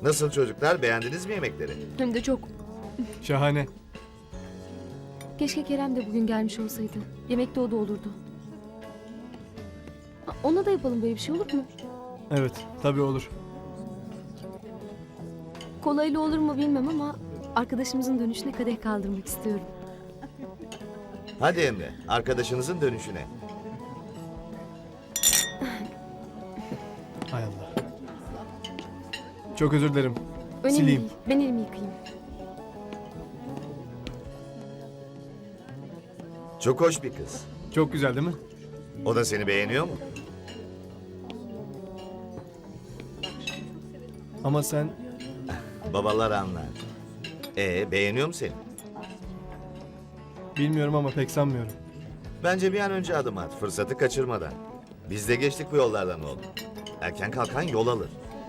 Nasıl çocuklar, beğendiniz mi yemekleri? Hem de çok. Şahane. Keşke Kerem de bugün gelmiş olsaydı. Yemekte o da olurdu. Ona da yapalım, böyle bir şey olur mu? Evet, tabii olur. Kolayla olur mu bilmem ama arkadaşımızın dönüşüne kadeh kaldırmak istiyorum. Hadi Emre, arkadaşınızın dönüşüne. Hay Allah. Çok özür dilerim. Önemli Sileyim. değil. Ben elimi yıkayayım. Çok hoş bir kız. Çok güzel değil mi? O da seni beğeniyor mu? Ama sen Babalar anlar. Beğeniyor mu seni? bilmiyorum ama pek sanmıyorum. Bence bir an önce adım at, fırsatı kaçırmadan. Biz de geçtik bu yollardan oğlum. Erken kalkan yol alır.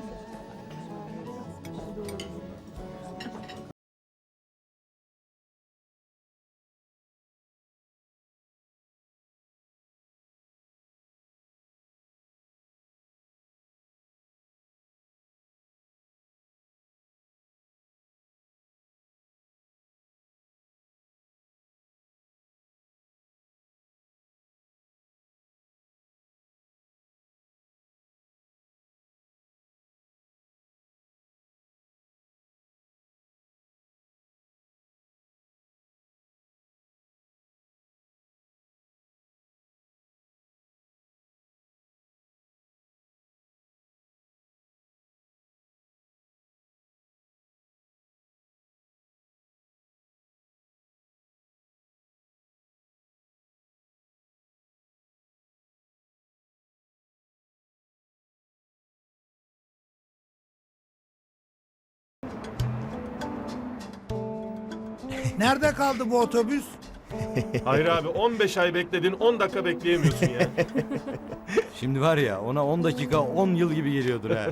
Nerede kaldı bu otobüs? Hayır abi 15 ay bekledin 10 dakika bekleyemiyorsun ya. Şimdi var ya ona 10 dakika 10 yıl gibi geliyordur ha.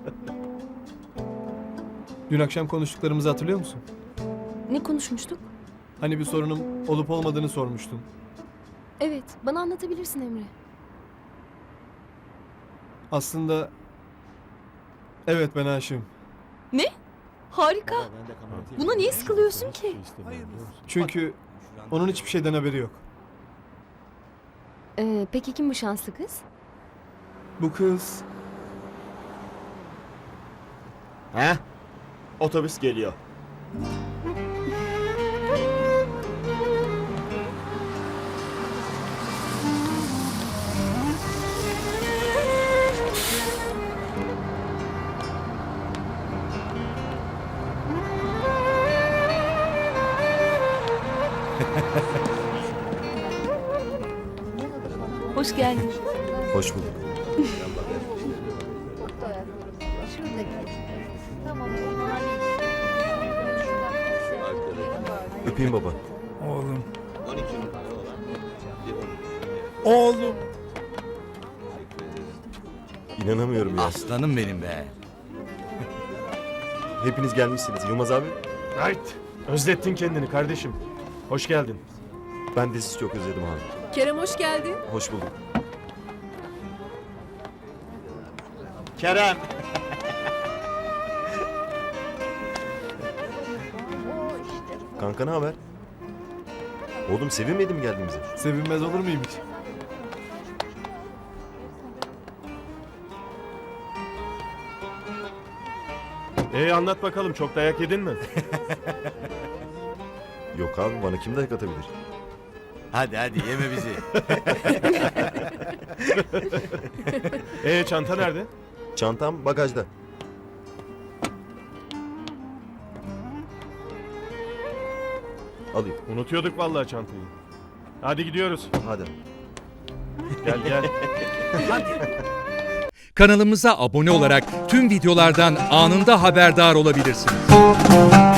Dün akşam konuştuklarımızı hatırlıyor musun? Ne konuşmuştuk? Hani bir sorunum olup olmadığını sormuştun. Evet, bana anlatabilirsin Emre. Aslında evet, ben aşığım. Ne? Harika. Buna niye sıkılıyorsun ki? Çünkü onun hiçbir şeyden haberi yok. Peki kim bu şanslı kız? Bu kız He? Otobüs geliyor. Hoş geldin. Hoş bulduk. Öpeyim baba. Oğlum. Oğlum. İnanamıyorum ya. Aslanım benim be. Hepiniz gelmişsiniz. Yılmaz abi, Right. Özlettin kendini kardeşim. Hoş geldin. ben de sizi çok özledim abi. Kerem hoş geldin. Hoş bulduk. Kerem. Kanka ne haber? Oğlum sevinmedin mi geldiğimize? sevinmez olur muyum hiç? Anlat bakalım çok dayak yedin mi? Yok abi, bana kim dayak atabilir? Hadi hadi yeme bizi. Çanta nerede? Çantam bagajda. Alayım. Unutuyorduk vallahi çantayı. Hadi gidiyoruz. Hadi. Gel gel. Kanalımıza abone olarak tüm videolardan anında haberdar olabilirsiniz.